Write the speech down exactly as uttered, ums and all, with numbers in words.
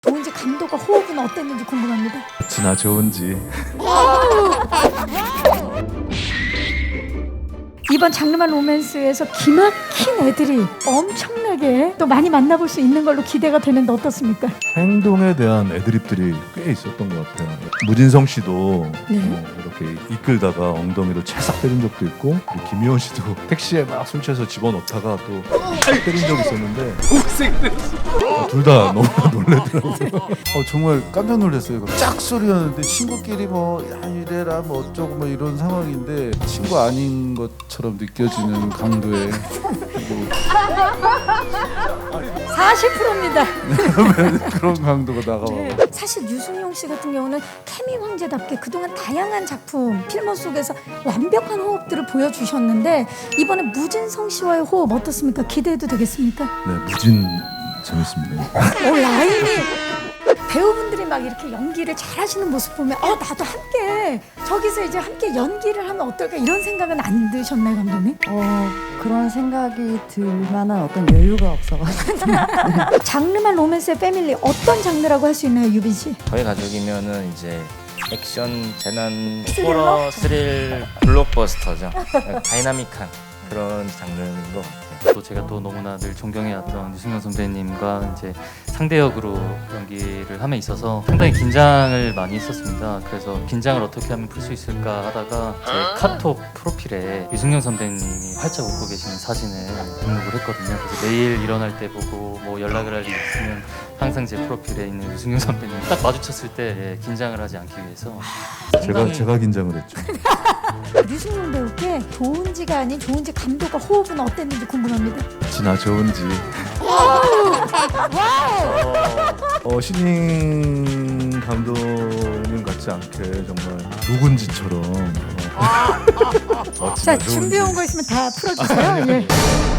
좋은지 감독과 호흡은 어땠는지 궁금합니다. 지나 좋은지. 이번 장르만 로맨스에서 기막힌 애들이 엄청나게 또 많이 만나볼 수 있는 걸로 기대가 되는데 어떻습니까? 행동에 대한 애드립들이 꽤 있었던 것 같아요. 무진성 씨도 네. 어, 이렇게 이끌다가 엉덩이로 찰싹 때린 적도 있고, 그리고 김희원 씨도 택시에 막 술 취해서 집어넣다가 또 때린 적이 있었는데 어, 둘 다 너무 놀래더라고요. 어, 정말 깜짝 놀랐어요. 이거 짝 소리였는데 친구끼리 뭐 야, 이래라 뭐 어쩌고 뭐 이런 상황인데 친구 아닌 것처럼 느껴지는 강도의 사십 퍼센트입니다. 그런 강도가 나가고 네. 사실 유승용 씨 같은 경우는 케미 황제답게 그동안 다양한 작품, 필모 속에서 완벽한 호흡들을 보여주셨는데 이번에 무진성 씨와의 호흡 어떻습니까? 기대해도 되겠습니까? 네, 무진 재밌습니다. 오, 라인이 배우분들이 막 이렇게 연기를 잘하시는 모습 보면 어 나도 함께 저기서 이제 함께 연기를 하면 어떨까 이런 생각은 안 드셨나요, 감독님? 어, 그런 생각이 들 만한 어떤 여유가 없어가지고 장르만 로맨스의 패밀리 어떤 장르라고 할 수 있나요, 유빈 씨? 저희 가족이면은 이제 액션, 재난, 스릴러? 호러, 스릴, 블록버스터죠. 다이나믹한 그런 장르인 것 같아요. 또 제가 또 너무나 늘 존경해왔던 유승용 선배님과 이제 상대 역으로 연기를 함에 있어서 상당히 긴장을 많이 했었습니다. 그래서 긴장을 어떻게 하면 풀 수 있을까 하다가 제 카톡 프로필에 유승용 선배님이 활짝 웃고 계시는 사진을 등록을 했거든요. 그래서 매일 일어날 때 보고 뭐 연락을 할 일이 있으면 항상 제 프로필에 있는 유승용 선배님 딱 마주쳤을 때 예, 긴장을 하지 않기 위해서 제가 상당히 제가 긴장을 했죠. 유승용 배우께 좋은지가 아닌 좋은지 감독과 호흡은 어땠는지 궁금합니다. 지나 좋은지. 어, 신인 감독님 같지 않게 정말 누군지처럼 어, 어, 자, 지나 좋은지. 준비해 온 거 있으면 다 풀어주세요. 예.